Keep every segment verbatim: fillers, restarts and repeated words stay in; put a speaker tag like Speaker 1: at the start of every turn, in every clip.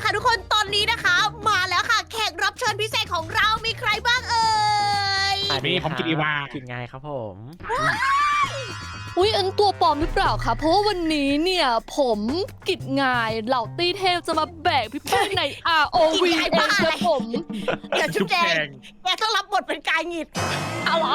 Speaker 1: ค่ะทุกคนตอนนี้นะคะ มาแล้วค่ะแขกรับเชิญพิเศษของเรามีใครบ้างเอ่ย
Speaker 2: มีผมกินอีวา
Speaker 3: กินไงครับผม
Speaker 4: อุ้ยอันตัวปลอมหรือเปล่าคะเพราะว่าวันนี้เนี่ยผมกิจงายเหล่าตี้เทพจะมาแบกพี่แป้งใน อาร์ โอ วี เองครับผม
Speaker 1: เดี๋ยวชุ
Speaker 2: จุ๊
Speaker 1: บบ แจ
Speaker 2: แจ
Speaker 1: ง
Speaker 2: ง
Speaker 1: แกต้องรับบทเป็นกายหงิด
Speaker 4: เอาเหรอ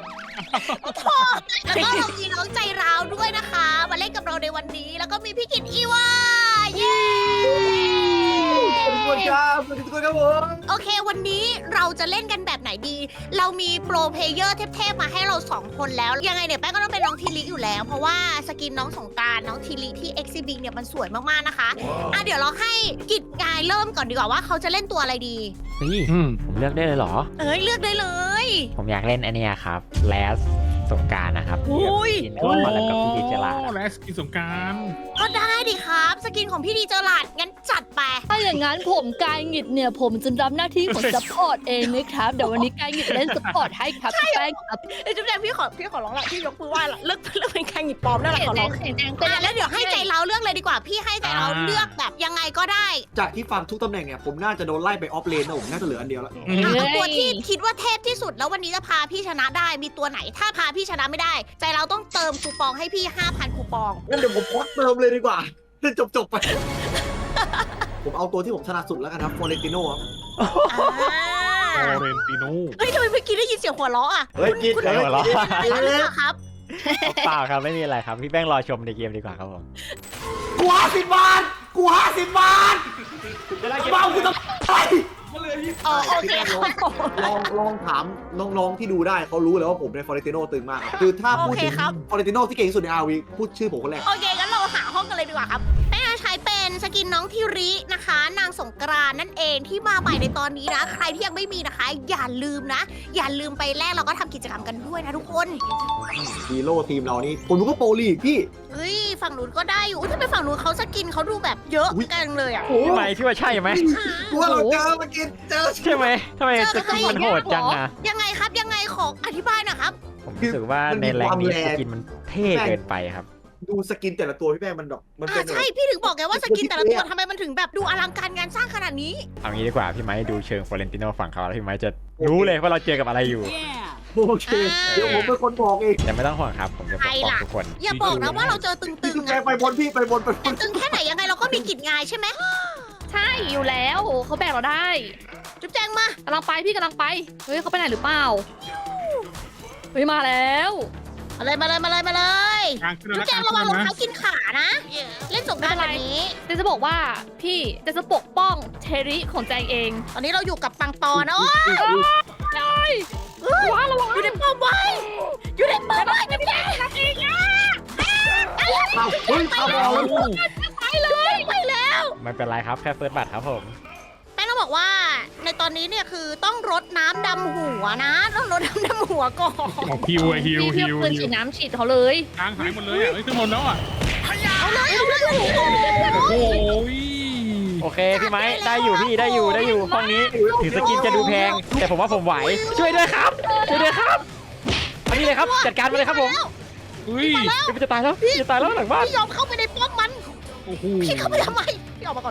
Speaker 1: แล้วก็เรามีน้องใจร้าวด้วยนะคะ มาเล่นกับเราในวันนี้ แล้วก็มีพี่กิตอีวาเย้
Speaker 5: สวัสดีทุกคนครับสวัสดีทุกคนครับผม
Speaker 1: โอเควันนี้เราจะเล่นกันแบบไหนดี เรามีโปรเพลเยอร์เทพๆมาให้เราสองคนแล้ว ยังไงเนี่ยแป้งก็ต้องเป็นน้องทีลิอยู่แล้ว เพราะว่าสกินน้องสงกรานต์น้องทีลิที่เอ็กซิบิงเนี่ยมันสวยมากๆนะคะอ่ะเดี๋ยวเราให้กิจงายเริ่มก่อนดีกว่าว่าเขาจะเล่นตัวอะไรดี
Speaker 3: นี่
Speaker 2: อืม
Speaker 3: ผมเลือกได้เลยเหรอ
Speaker 1: เอ้ยเลือกได้เลย
Speaker 3: ผมอยากเล่นอันเนี้ยครับแลสสงกรารนะครับ
Speaker 1: อุ้ย
Speaker 3: กินก่อนแล้วกับพี่ดิจลา
Speaker 2: และสกินสงกราร
Speaker 1: ก็ได้ดิครับ สกินของพี่ดีเจอหลาดงั้นจัดไป
Speaker 4: ถ้าอย่างนั้นผมกายหงิดเนี่ยผมจะรับหน้าที่ของซัพพอร์ตเองนะครับเดี๋ยววันนี้กายหงิดเล่นซัพพอร์ตให้ครับพี่แป้งครับ
Speaker 1: เอ้ยจุ๊บแจงพี่ขอพี่ขอร้องละพี่ยกมือไหว้ละเลิกเลิกเป็นการหยิบปลอมได้ละขอร้อง
Speaker 4: เสียงแดง
Speaker 1: อ่ะแล้วเดี๋ยวให้ใจเราเลือกเลยดีกว่า พี่ให้ใจเราเลือกแบบยังไงก็ได้
Speaker 5: จากที่ฟังทุกตำแหน่งเนี่ยผมน่าจะโดนไล่ไปออฟเลนนะผมน่าจะเหลืออันเดียวแล้ว
Speaker 1: อ่ะเอาตัวที่คิดว่าเทพที่สุดแล้ววันนี้จะพาพี่ชนะได้มีตัวไหน ถ้าพาพี่ชนะไม่ได้ ใจเราต้องเติมคูปองให้พี่ ห้าพัน คูปอง
Speaker 5: งั้นเดี๋ยวผมควักเติมเลยดีกว่าจะจบจบๆไป ผมเอาตัวที่ผมถนัดสุดแล้วกันครับฟอเรนติโน่ครับ
Speaker 1: อ่า
Speaker 2: โอเรนติโน่
Speaker 1: เฮ้ยทำไมเมื่อกี้ได้ยินเสียงหัวเราะอ่ะ
Speaker 5: เฮ้ยกิน
Speaker 1: คุณ
Speaker 5: เฮ้ย
Speaker 1: คุณ
Speaker 5: กิน
Speaker 1: คุณอะไรหรือเปล่าครับ
Speaker 3: เปล่าครับไม่มีอะไรครับพี่แป้งรอชมในเกมดีกว่าครับผม
Speaker 5: กูห้าสิบบาทกูห้าสิบบาทเบากูต้องไป
Speaker 1: อ๋อโอเคครับ
Speaker 5: ลองลองถามน้องๆที่ดูได้เขารู้เลยว่าผมในฟอเรนติโน่ตึงมากครับคือถ้าพูดถึงฟอเรนติโน่ที่เก่งที่สุดในอาร์วีพูดชื่อผมคนแรก
Speaker 1: โอเคงั้นเราหาห้องกันเลยดีกว่าครับแม่ใช้เป็นสกินน้องทิรินะคะ นางสงกรานต์นั่นเองที่มาใหม่ในตอนนี้นะ ใครที่ยังไม่มีนะคะ อย่าลืมนะ อย่าลืมไปแลกเราก็ทำกิจกรรมกันด้วยนะทุกคน
Speaker 5: ฮีโร่ทีมเรานี่ผมรู้ก็โปรลีกพี่
Speaker 1: เฮ้ยฝั่งนู้นก็ได้อยู่อุ๊ยทำไมฝั่งนู้นเขาสกินเขาดูแบบเยอะ
Speaker 5: อุ๊ย
Speaker 1: กันเลยอ่ะ
Speaker 3: พี่ไมค์พี่ว่าใช่ไหม
Speaker 5: กูว่าเราเจอมากินเจอ
Speaker 3: ใช่ไหมทำไมสกินมันโหดจังอะ
Speaker 1: ยังไงครับยังไงขออธิบายหน่อยครับ
Speaker 3: ผมรู้สึกว่าในแรงนี้สกินมันเท่เกินไปครับ
Speaker 5: ดูสกินแต่ละตัวพี่แป้งมันแบบมันเป็
Speaker 1: อ่าน ใช่พี่ถึงบอกไงว่าสกินแต่ละตัวทำไมมันถึงแบบดูอลังการงานสร้างขนาดนี้
Speaker 3: เอางี้ดีกว่าพี่ไมค์ดูเชิงฟลอเรนติโนฝั่งเขาแล้วพี่ไมค์จะรู้เลยว่าเราเจอกับอะไรอยู่
Speaker 5: โอเคเดี๋ยวผมเป็นคนบอกเอง
Speaker 3: แต่ไม่ต้องห่วงครับผมจะปกป้องทุกคน
Speaker 1: อย่าบอกนะว่าเราเจอตึ
Speaker 5: พี่
Speaker 1: ง
Speaker 5: จุ๊บ
Speaker 1: ๆ
Speaker 5: แจ
Speaker 1: อะ
Speaker 5: งไปบนพี่ไปบนไปบ
Speaker 1: แต่
Speaker 5: น
Speaker 1: ตึงแค่ไหนยังไงเราก็มีกิจงานใช่ไหม
Speaker 4: ใช่อยู่แล้วเขาแบกเราได้
Speaker 1: จุ๊บแจงมา
Speaker 4: กำลังไปพี่กำลังไปเฮ้ยเขาไปไหนหรือเปล่าเฮ้ยมาแล้ว
Speaker 1: มาเลยมาเลยมาเลยมาเลย
Speaker 2: กลางขึ้น
Speaker 1: จุ๊
Speaker 2: แล้
Speaker 1: บ
Speaker 2: ว
Speaker 1: แจ
Speaker 2: กลาง ง
Speaker 1: ระวังรอง
Speaker 2: ขึ้นนะ
Speaker 1: เท้ากินขานะ เล่นสงกรานต์แบบนี้
Speaker 4: เจนจะบอกว่าพี่เจนจะปกป้องเทริของแจงเอง
Speaker 1: ตอนนี้เราอยู่กับปังปอนะโอ้ย
Speaker 4: ว้าระวัง
Speaker 1: อยู่ในป้อมไว้อยู่ในป้อมไว้จุ๊บแจงอีกอ่ะ
Speaker 5: เอาเฮ้ยเอาเอา
Speaker 1: ไปเลยไปแล้ว
Speaker 3: ไม่เป็นไรครับแค่เฟิร์สบัตรครับผม
Speaker 1: แป้งต้องบอกว่าในตอนนี้เนี่ยคือต้องรดน้ำดำหัวนะ ต้องรดน้ำดำหัวก่อน
Speaker 2: ของฮิวอะฮิว
Speaker 4: พี่
Speaker 2: ฮิ
Speaker 4: เพี่
Speaker 2: ว
Speaker 4: ปืน
Speaker 2: ฮิ
Speaker 4: ฉี
Speaker 2: ว
Speaker 4: ดน้ำฉีดเขาเลย
Speaker 2: กลางหายหมดเลยอ่ะเฮ้ยขึ้นหมดแล้วอ่ะ
Speaker 1: เอาเลยเอาเลยโอ้โห
Speaker 2: โอ้ย
Speaker 3: โอเคพี่ไมค์ได้อยู่พี่ได้อยู่ได้อยู่ห้องนี้ถึงสกินจะดูแพง แต่ผมว่าผมไหวช่วยด้วยครับช่วยด้วยครับเอานี่เลยครับจัดการมาเลยครับผม
Speaker 2: อุ้ย
Speaker 3: เดี๋ยวมันจะตายแล้วจะตายแล้วหลังบ้าน
Speaker 1: พี่ยอมเข้าไปในป้อมมัน
Speaker 2: โอ้โห
Speaker 1: พี่เข้าไปทำไมพี่ออกมาก่อน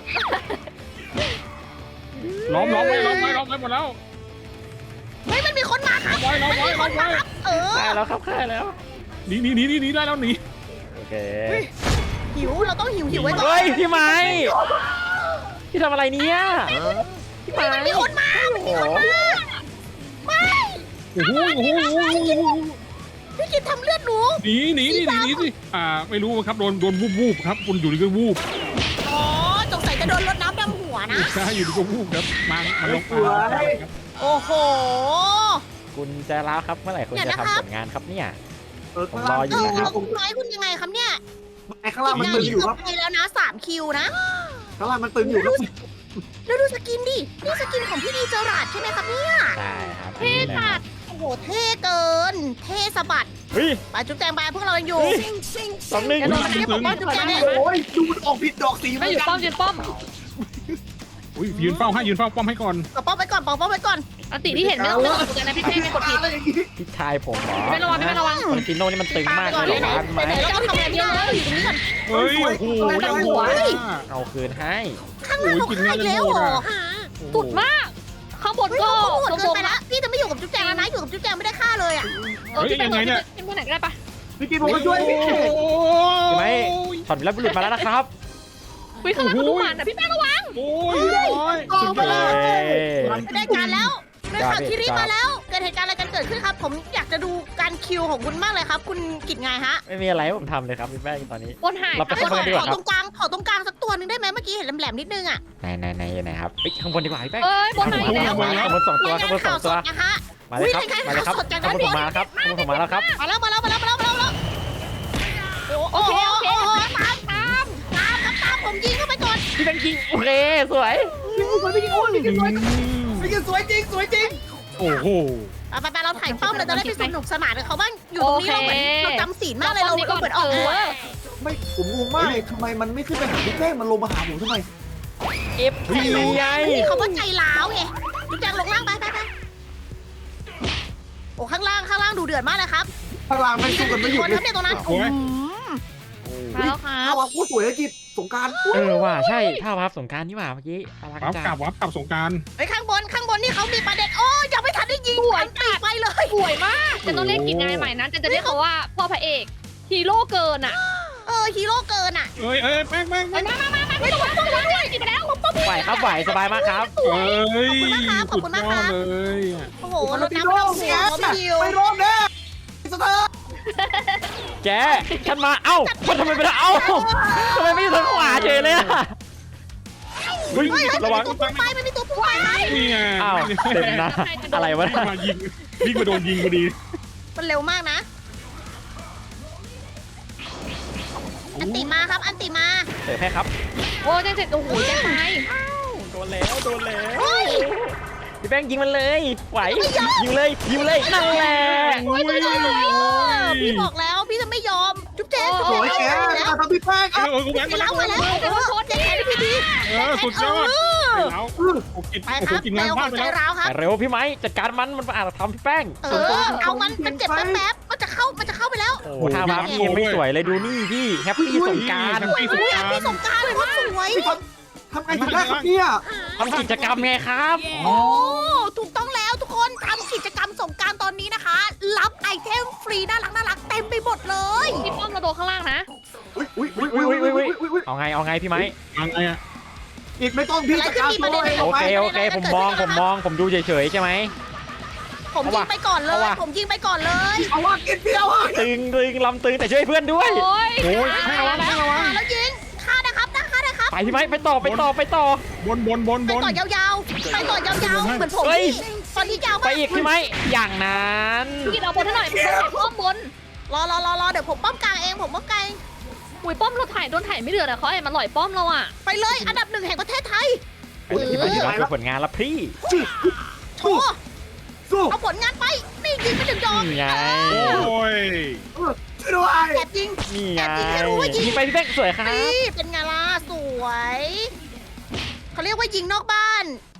Speaker 2: ล้อมล้อมไว้ล้อมไว้ล้อมไว้หมดแล้ว
Speaker 1: เฮ้ยมันมีคนมาครับ
Speaker 2: ล้อมไว้ล้อมไว้ล้อมไว้
Speaker 1: เออ
Speaker 3: ได้แล้วครับได้แล้ว
Speaker 2: หนีหนีหนีหนีหนีได้แล้วหนี
Speaker 3: โอเค
Speaker 1: หิวเราต้องหิวหิวไว้ก่อน
Speaker 3: เฮ้ยพี่ไม้พี่ทำอะไรเนี่ยพี่ไม้
Speaker 1: มีคนมา
Speaker 3: โอ้โห
Speaker 1: ไม่
Speaker 2: โอ้โหโอ้โหโอ้โหโอ้โห
Speaker 1: พี่กินทำเลือดหนู
Speaker 2: หนีหนีหนีหนีหนีสิอ่าไม่รู้ครับโดนโดนวูบวูบครับคุณอยู่ดีก็วูบ
Speaker 1: อ๋อสงสัยจะโดนรดน้ำดำหัวนะ
Speaker 2: ใช่อยู่ดีก็วูบครับมามาลงมา
Speaker 1: โอ้โห
Speaker 3: คุณจะแล้วครับเมื่อไหร่คุณจะทำผลงานครับเนี่ย
Speaker 5: เออ
Speaker 3: ผม
Speaker 5: ข้าง
Speaker 3: ร
Speaker 5: ล่า
Speaker 3: อง อยู่
Speaker 1: เออ
Speaker 3: นะครับ
Speaker 1: คุณน้อยคุณยังไงครับเนี่ย
Speaker 5: ไอ้ข้างล่างมันตึงอยู่ครับ
Speaker 1: ไปแล้วนะสามคิวนะ
Speaker 5: ข้างล่างมันตึงอยู่ครับ
Speaker 1: แล้วดูสกินดิ นี่สกินของพี่ดีเจอราดใช่ไหมครับเนี่ย
Speaker 3: ใช่ครับ
Speaker 4: เท่จัด
Speaker 1: โอ้โห เท่เกิน เท่สะบัด
Speaker 3: เฮ้ย
Speaker 1: ไปจุ๊บแจงไปพวกเรายังอยู่
Speaker 3: เฮ้ย สองหนึ่ง
Speaker 4: กระโดด
Speaker 1: ไม่ได้บอกว่าจุ๊บแจง
Speaker 5: โอ้ยดูมันออกผิดดอกสีเหมื
Speaker 4: ไม่
Speaker 5: อน
Speaker 4: อยู่
Speaker 5: กั
Speaker 4: ป้อม
Speaker 5: น
Speaker 4: ยืนป้อม
Speaker 2: อุ้ยยืนเฝ้าให้ยืนเฝ้าป้อมให้ก่อน
Speaker 1: ปอกป้อมไปก่อนปอกป้อมไปก่อน
Speaker 4: อันติที่เห็นไม่ต้องไม่ต้องเหมือนกันนะพี่เป้ไม่กดผิด
Speaker 5: อะไรอย่างงี้
Speaker 3: พี่ชายผมเหรอ
Speaker 4: ไม่ระวังไม่ระวัง
Speaker 3: ฟลอเรนติโน่นี่มันตึงมากเลย
Speaker 1: ไหน
Speaker 3: เหรอครับพี่
Speaker 1: ไหน
Speaker 3: ไม้
Speaker 1: เจ้าทำอะไรเยอะเลยอยู่ตรงนี้ก่อน
Speaker 2: เฮ้ยโอ้โหยังหัว
Speaker 3: เอาคืนให้
Speaker 1: ข้างล่างเขาฆ่าอีกแล้วเหรอ
Speaker 4: สุดมาก ข้างบน
Speaker 1: เฮ้ย
Speaker 4: ก็
Speaker 1: เขาโหด
Speaker 4: ล
Speaker 1: เกิน
Speaker 4: ง
Speaker 1: ไป
Speaker 4: ๆ
Speaker 1: ละ
Speaker 4: นะ
Speaker 1: พี่จะไม่อยู่กับจุ๊บแจงแล้วนะอยู่กับจุ๊บแจงไม่ได้ฆ่าเลยอ่ะ
Speaker 4: เออพี่เป็นพี่เป็นคนไหนก็ได้ปะ
Speaker 5: พี่กินผมมาช่วยพี่
Speaker 3: พี่ไม้ถอดแล้วบุรุษมาแล้วนะครับ
Speaker 4: วิ่งข้างหลังดูมันนะพี่แป้งระวัง
Speaker 2: โอ้ยร้อยสุดยอด
Speaker 1: ไม่ได้การแล้วได้ข่าวที่รีบมาแล้วเกิดเหตุการณ์อะไรกันเกิดขึ้นครับ ผมอยากจะดูการคิวของคุณมากเลยครับ คุณกิจไงฮะ
Speaker 3: ไม่มีอะไรให้ผมทำเลยครับพี่แป้งตอนนี้
Speaker 4: บนหาย
Speaker 3: เราไป
Speaker 1: ขอ
Speaker 3: ข้างบนดีก
Speaker 1: ข
Speaker 3: ว่า
Speaker 1: อ
Speaker 3: ครั
Speaker 1: ต
Speaker 3: บ
Speaker 1: รงกลางขอตรงกลางสักตัวหนึงได้ไหมเมื่อกี้เห็นแหลมๆนิดนึงอ่ะ
Speaker 3: ไหนไหนไหนไหนครับเฮ้ยข้างบนดีกว่าพี่แป้ง
Speaker 4: เอ้ยบนหายแล้ว
Speaker 3: ข้างบนสองตัว
Speaker 1: ราย
Speaker 3: ข้าง
Speaker 1: งาน
Speaker 3: บนส
Speaker 1: ข่า
Speaker 3: อ
Speaker 1: ว
Speaker 3: ง
Speaker 1: ส
Speaker 3: ตัว
Speaker 1: ดนะคะ
Speaker 3: มาเลยครับ
Speaker 1: อุ๊ยรายงาน
Speaker 3: มาเลยครับ
Speaker 1: ข่าวสดจาก
Speaker 3: ข้างบนผม
Speaker 1: ด้านบน
Speaker 3: มาแล้วครับข้างบนผมมาแล้วครับ
Speaker 1: มาแล้วมาแล้วมาแล้วมาแล้วมาแล้วมาแล้ว
Speaker 4: โอเคโอเค
Speaker 1: โอ้โหตามตามตามครับตามผมยิงเข้าไปก่อน
Speaker 3: พี่แป้งยิงโอเคสวย
Speaker 5: พี่กินสวยพี่กินสวยพี่กินสวยพี่กินสวยจริงสวยจริง
Speaker 2: โอ้โห
Speaker 1: ไปไปไปเราถ่ายป้อมเราจะได้ไปสนุกสนานกับเขาบ้างอยู่ตรงนี้เราเหมือนเราจำศีลมากเลยเราเราเหมือนออกตัว
Speaker 5: ไม่ผมงงมากเลยทำไมมันไม่ขึ้นไปหาพี่แป้งมันลงมาหาผมทำไม
Speaker 3: เอฟพีไง
Speaker 1: นี่เขาว่าใจร้าวไงจุ๊บแจงลงล่างไปไปไปโอ้ข้างล่างข้างล่างดูเดือดมากเลยครับ
Speaker 5: ข้างล่างไม่สู้กันไม่หยุ
Speaker 1: ค
Speaker 5: ด
Speaker 1: น
Speaker 5: เล
Speaker 1: ครั
Speaker 5: ย
Speaker 1: บเนี่ยตรงนั้น
Speaker 2: โอ้ย
Speaker 1: มาแล้วครับ
Speaker 5: ข้าวพูดสวยเลยกิจสงการ
Speaker 3: เออว่ะใช่ท่าพับสงการนี่หว่าเมื่อกี้อลัง
Speaker 2: วับ
Speaker 3: จั
Speaker 2: กลั
Speaker 3: ง
Speaker 2: บวับกลับสงการ
Speaker 1: ไอ้ข้างบนข้างบนนี่เขามีประเด็นโอ้ยังไม่ทันได้ยิงอันตีไปเลย
Speaker 4: สวยมากจะต้องเล่นกิจงานใหม่นะจะจะเรียกเขาว่าพ่อพระเอกฮีโร่เกินอ่ะ
Speaker 1: เออฮีโร่เกินอ่ะ
Speaker 2: เอ้ยเอ้ยแม่งแม่ง
Speaker 4: มามามามาไม่ต้องมาต้องมาด้วยกินไปแล้ว
Speaker 3: ไหวครับไหวสบายมากครับ
Speaker 2: เอ้ยสุดยอดเลย
Speaker 1: โอ้โห
Speaker 5: โอ้
Speaker 1: ร
Speaker 5: ร
Speaker 1: ถ
Speaker 5: ถ
Speaker 1: น้ำ
Speaker 5: น้ำ
Speaker 1: ไม่
Speaker 5: ไม่
Speaker 1: ต้
Speaker 5: ต้
Speaker 1: อ
Speaker 5: อง ง
Speaker 1: ห่
Speaker 5: เสี
Speaker 1: วย ง
Speaker 5: ไม่
Speaker 1: เขาไม่ยิว
Speaker 5: รอดแน่สเตอร์
Speaker 3: แกฉันมาเอ้ามันทำไมไม่ได้เอ้าทำไมไม่อยู่ทางขวาเฉยเลยอะ
Speaker 2: เฮ้ย
Speaker 1: เฮ้ย
Speaker 2: ระวัง
Speaker 1: ตัวพุ่งไปมันมีตัวพุ่งไป
Speaker 2: นี่ไง
Speaker 3: อ้าวเต็มนะอะไรวะ
Speaker 2: วิ่งมายิงวิ่งมาโดนยิงพอดี
Speaker 1: มันเร็วมากนะ อันติมาครับ อันติมา
Speaker 3: เสิร์ฟให้ครับ
Speaker 4: โอ้เจ๊เจ๊โอ้โหเจ๊ตาย
Speaker 3: โดนแล้วโดนแล้ว
Speaker 1: เฮ้ย
Speaker 3: พี่แป้งยิงมันเลยไหวยิงเลยยิงเลยนั่นแหละ
Speaker 2: โอ้ย
Speaker 1: พี่บอกแล้วพี่จะไม่ยอม จุ๊บแจ๊
Speaker 5: โอ้ยแก
Speaker 1: แล้ว
Speaker 5: มาทำพี่แป้ง
Speaker 2: เออเออกูแบงค์
Speaker 1: ไป
Speaker 2: มา
Speaker 1: แล้
Speaker 2: แล้ว ว
Speaker 1: มาแล้วเจ๊แค่พี่ดี
Speaker 2: เออสุดยอดแล้วโอ้กิน
Speaker 1: ไป
Speaker 2: โอ้
Speaker 1: ครับ
Speaker 2: กิน
Speaker 1: เร็
Speaker 2: งาน
Speaker 1: ว
Speaker 2: พ
Speaker 1: ข
Speaker 2: ลา
Speaker 1: อ
Speaker 2: ด
Speaker 1: ง
Speaker 2: ไป
Speaker 1: ใจ
Speaker 2: แล้ว
Speaker 1: ร้าวครับ
Speaker 3: ไปเร็วพี่ไม้จัดการมันมันอาจจะทำพี่แป้ง
Speaker 1: เออ เอามัน มันเจ็บแป๊บๆมันจะเข้า มันจะเข้าไปแล้ว
Speaker 3: โอ้ท่ามาพี่ยังไม่สวยเลยดูนี่พี่แฮปปี้สงกราร
Speaker 2: พี่สง
Speaker 1: อุ้ย
Speaker 2: กราร
Speaker 1: พี่สงกรารเลยว่าสวย
Speaker 5: พี่ทำทำไงถึงได้ครับเนี่ย
Speaker 3: ทำกิจกรรมไงครับ
Speaker 1: โอ้ ถูกต้องแล้วทุกคนทำกิจกรรมสงกรารตอนนี้นะคะ รับไอเทมฟรีน่ารักน่ารักเต็มไปหมดเลย
Speaker 4: พี่ป้อมเราโดนข้างล่างนะ
Speaker 5: อุ้ยอุ้ยอุ้ยอุ้ยอุ้ยอุ้ยอุ้ย
Speaker 3: เอาไงเอาไงพี่ไม้
Speaker 2: ยังไงอะ
Speaker 5: อีกไม่ต้องพี่จัดการตัวเอง
Speaker 3: โอเคโอเคผมมองผมมองผมดูเฉยๆใช่ไหม
Speaker 1: ผมยิงไปก่อนเล
Speaker 3: เอา
Speaker 1: ย
Speaker 3: ว่ะ
Speaker 1: ผมยิงไปก่อนเลย
Speaker 5: เอาว่ากินเพียวอ่ะ
Speaker 3: ตึงตึงลำตึงแต่ช่วยเพื่อนด้วย
Speaker 4: โอ้ย
Speaker 3: โอ้ย
Speaker 2: ให้ระวังให้ระวัง
Speaker 1: มาแล้วยิงฆ่านะครับนะฆ่านะครับ
Speaker 3: ไปพี่ไม้ไปต่อไปต่อไปต่อบ
Speaker 2: นบนบน
Speaker 1: ไป
Speaker 2: บน
Speaker 1: ต่อยาวๆไปต่อยาวๆเหมือนผม
Speaker 3: เฮ้ย
Speaker 1: ตอนนี้ยาว
Speaker 3: ไป
Speaker 1: มาก
Speaker 3: อีกพี่ไม้อย่างนั้น
Speaker 4: พี่กินเอาบนให้หน่อยป้อมบน
Speaker 1: รอรอรอรอเดี๋ยวผมป้อมกลางเองผมป้อมกลางเอง
Speaker 4: อุ้ยป้อมเราถ่ายโดนถ่ายไม่เดือดอะเขาไอ้มันหล่อยป้อมเราอะ
Speaker 1: ไปเลยอันดับหนึ่งแห่งประเทศไทย
Speaker 3: ไปที่ไปที่น้องคือผลงานละพี่
Speaker 1: โชว์
Speaker 5: สู้
Speaker 1: เอาผลงานไปนี่ยิงไปถึงยอม
Speaker 3: นี่ไง
Speaker 2: โอ้ย
Speaker 5: ช่วยด้วย
Speaker 1: แอบยิง
Speaker 3: นี่ไง
Speaker 1: แอบยิงให้รู้ว่ายิง
Speaker 3: ยิงไปพี่แป้งสวยครับ
Speaker 1: นี่เป็นไงล่ะสวยเขาเรียกว่ายิงนอกบ้าน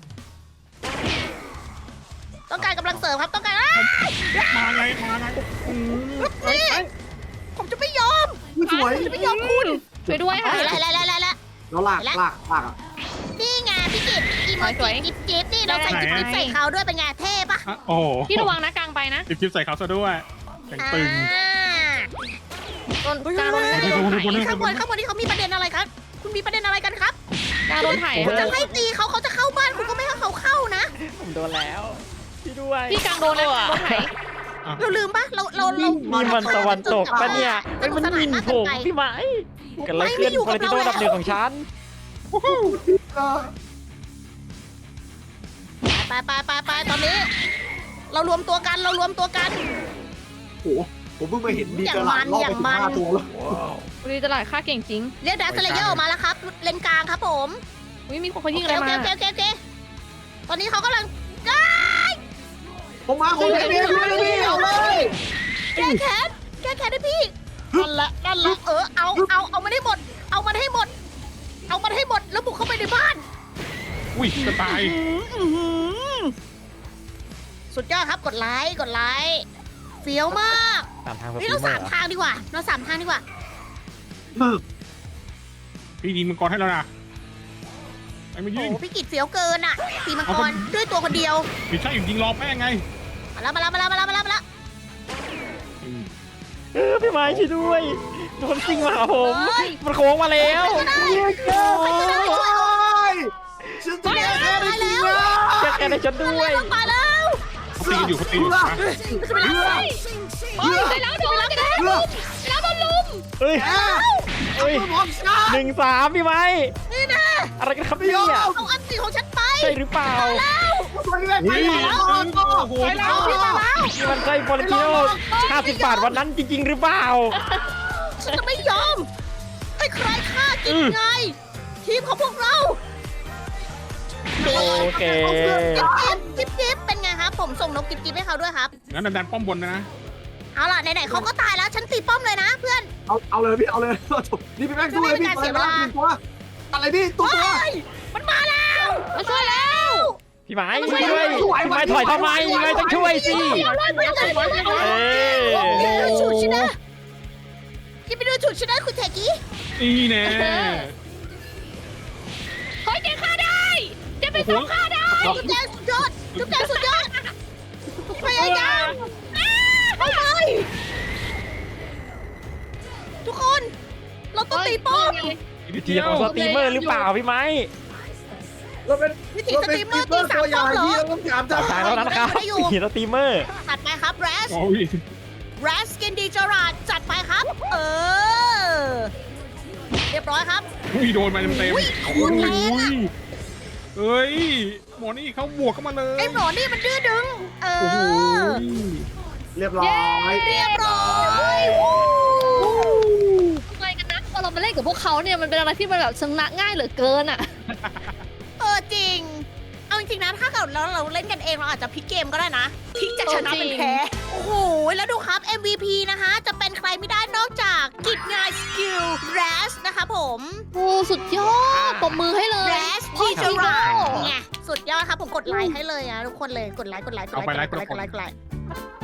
Speaker 1: ต้องการกำลังเสริมครับต้องการอ้าย
Speaker 2: มาไงมาไงอืม
Speaker 1: นี่ผมจะไม่ยอม
Speaker 5: สวย
Speaker 1: ผมจะไม่ยอมคุณ
Speaker 4: ช่วยด้วยค่ะ
Speaker 1: แล้วแล้วแล้วแล้ว
Speaker 5: แล้วลากลากลากอ่ะ
Speaker 1: นี่ไงพี่กิตอีโม
Speaker 4: สวย
Speaker 1: จิจิ๊บจิ๊บนี่เราใส่จิ๊บจิ๊บใส่เขาด้วยเป็นไงเท่ปะ
Speaker 2: อ่ะโอ้โห
Speaker 4: พี่ระวังนะกลางไปนะ
Speaker 2: จิบจิบใส่เขาซะด้วยแข็งตึง
Speaker 1: อ่า
Speaker 4: โดนกลางโดน
Speaker 2: เฮ้ย
Speaker 4: โดน
Speaker 2: เฮ้ย
Speaker 4: ถ่าย
Speaker 2: เฮ้ย
Speaker 1: ข้างบนข้างบนนี่เขามีประเด็นอะไรครับ คุณมีประเด็นอะไรกันครับ
Speaker 4: กลางโดนถ่าย
Speaker 1: คุณจะให้ตีเขาเขาจะเข้าบ้านคุณก็ไม่ให้เขาเข้านะ
Speaker 3: ผมโดนแล้วพี่ด้วย
Speaker 4: พี่กลางโดนนะโดนถ่าย
Speaker 1: เราลืมปะเราเราเรา
Speaker 3: มีมันตะวันตกปะเนี่ยไอ้ยมันหมินผมพี่ไม้กันเลยขึ้นคนที่โดนดับหนึ่งของฉัน
Speaker 1: ไปไปไปไปตอนนี้ เรารวมตัวกันเรารวมตัวกัน
Speaker 5: โอ้โหผมเพิ่งมาเห็นดีกระหล่ำรอบไปถึงห้าตัวแล้ว
Speaker 4: วันนี้ตลาดค่าเก่งจริง
Speaker 1: เรียกดัสเลเยอร์ออกมาแล้วครับเลนกลางครับผม
Speaker 4: อุ้ยมีคนเขายิง
Speaker 1: โอ
Speaker 4: อะไร
Speaker 1: เค
Speaker 4: มา
Speaker 1: โอเคโอเคโอเคตอนนี้เขากำลังอ้าย
Speaker 5: ผมมาผมไม่ได้ไม่ได้เอาเลย
Speaker 1: แก้แค้นแก้แค้นให้พี่นั่นแหละนั่นแหละเออเอาเอาเอามันให้หมด เอามันให้หมด เอามันให้หมดแล้วบุกเข้าไปในบ้าน
Speaker 2: อุ้ยจะตาย
Speaker 1: อื้อหือสุดยอดครับกดไลค์กดไลค์เฟี้ยวมาก
Speaker 3: ตามทางส
Speaker 1: นี่
Speaker 3: ปี
Speaker 1: เรา
Speaker 3: เมอ
Speaker 1: สาม
Speaker 3: ร์
Speaker 1: ทางดีกว่าเราสามทางดีกว่า
Speaker 2: พี่ยิงมังกรให้แล้วนะไอ้ไม่
Speaker 1: โอ้
Speaker 2: ยิง
Speaker 1: โหพี่กิจเฟี้ยวเกินอ่ะตีมังกรด้วยตัวคนเดียว
Speaker 2: ไม่ใช่ยิงรอแป้งไง
Speaker 1: มาแล้วมาแล้วมาแล้วมาแล้วมาแล้วมาแล้ว
Speaker 2: อืม
Speaker 3: เออพี่ไม้ช่วยด้วยโดนซิงมาหาผมมันโค้งมาแล้ว
Speaker 1: ก็ได้ใครก็ได้ช่วย
Speaker 5: โอ้ยฉันจะแก้แค้นให้จริงนะ
Speaker 3: แกแกในฉันด้วย
Speaker 1: มาแล้ว
Speaker 2: เขาตีกันอยู่เขาตีอยู่นะ
Speaker 1: จะไปแล้ว
Speaker 4: เฮ้ยได้แล้วโดนแล้วได้แล้วได้แล้วโดนลุม
Speaker 3: เฮ้ย
Speaker 5: แก
Speaker 3: เฮ้ย
Speaker 5: พร้อมฉัน
Speaker 3: หนึ่งสามพี่ไม้
Speaker 1: นี่นะ
Speaker 3: อะไรกันครับเนี่ย
Speaker 1: เอาอันตีของฉันไป
Speaker 3: ใช่หรือเปล่า
Speaker 5: ตัวนี้แม่งไป
Speaker 2: วิ่ง
Speaker 5: แล้ว
Speaker 2: โอ้โห
Speaker 1: ไปแล้วพี่มาแล้ว
Speaker 3: นี่มันใช่ฟอร์เรนติโนห้าสิบบาทวันนั้นจริง ๆ หรือเปล่า
Speaker 1: ฉันจะไม่ยอมให้ใครฆ่ากินไง ทีมของพวกเรา
Speaker 3: โอเค
Speaker 1: จิ๊บจิ๊บจิ๊บเป็นไงครับ ผมส่งนกจิ๊บจิ๊บให้เขาด้วยครับ
Speaker 2: งั้นดันป้อมบนนะ
Speaker 1: เอาล่ะไหนๆเขาก็ตายแล้ว ฉันตีป้อมเลยนะเพื่อน
Speaker 5: เอาเอาเลยพี่เอาเลยจบนี่พี่แม่งสู้เลยพี่
Speaker 1: ไม่
Speaker 5: ไป
Speaker 1: เป็นการเสียเว
Speaker 5: แล้ว
Speaker 1: ลา
Speaker 5: หนึ่งตัวอะไรพี่ตัวตัว
Speaker 1: เฮ้ยมันมาแล้วมาช่วยแล้ว
Speaker 3: พี่ไม้ช่วยด้วยพี่ไม้ถอยทำไมพี่ไม้ต้องช่วยสิ
Speaker 1: เอาเลยมาเลยมาเลย
Speaker 3: เอ้ย
Speaker 1: อย่าไปดูฉุดฉันนะอย่าไปดูฉุดฉันนะคุณเทกี้
Speaker 2: นี่แน่
Speaker 4: เฮ้ยเจ๊ฆ่าได้เจ๊เป็นสองฆ่าได้
Speaker 1: จุ๊บแดงสุดยอดจุ๊บแดงสุดยอดพยายามเอาเลยทุกคน เราต้องตีป้อม
Speaker 2: นิด
Speaker 3: ที
Speaker 2: เดียว
Speaker 3: ของสตรีมเมอร์หรือเปล่าพี่ไม้
Speaker 5: เราเป็น
Speaker 1: วิธี
Speaker 5: เรา
Speaker 1: ส
Speaker 5: เป็น
Speaker 1: ตรีมเมอร์
Speaker 5: ตัว
Speaker 1: ตีสาม
Speaker 5: ตัวอ
Speaker 1: ป้
Speaker 5: ย่า
Speaker 1: อง
Speaker 5: ง
Speaker 1: เหรอ
Speaker 5: ที่เราต้องถามจาก
Speaker 3: ทางเท่านั้นนะครับทีสตรีมเมอร์
Speaker 1: จัดไปครับแรส
Speaker 2: โอ้ย
Speaker 1: แรสกินดีจราดจัดไปครับ เออ เรียบร้อยครับ
Speaker 2: อุ้ยโดนมาเต็มเต็ม
Speaker 1: อุ้ยโคตรแรงอะ
Speaker 2: เอ้ยหมอนี่เขาบวกเข้ามาเลย
Speaker 1: ไอ้หมอนี่มันดื้อดึง เอ
Speaker 2: โอ้โห
Speaker 1: อ
Speaker 5: เรียบร้อย
Speaker 1: เรียบร้อย
Speaker 4: ทำไมกันนะพอเรามาเล่นกับพวกเขาเนี่ยมันเป็นอะไรที่มันแบบชนะง่ายเหลือเกินอ่ะ
Speaker 1: เออจริง เอาจริงๆนะถ้าเกิดเราเราเล่นกันเองเราอาจจะพลิกเกมก็ได้นะพลิกจากชนะเป็นแพ้ โอ้โห แล้วดูครับ เอ็ม วี พี นะคะ จะเป็นใครไม่ได้นอกจากกิจงานสกิลแรสนะคะผม
Speaker 4: โอ้สุดยอดปรบมือให้เลย
Speaker 1: แรส
Speaker 4: พ่อ
Speaker 1: ดีจ
Speaker 4: ฮี
Speaker 1: รา
Speaker 4: โร่
Speaker 1: ดไงสุดยอดครับผมกดไลค์ให้เลยนะทุกคนเลยกดไลค์กดไลค์กดไลค์กดไลค์กดไลค์กดไลค์กดไลค์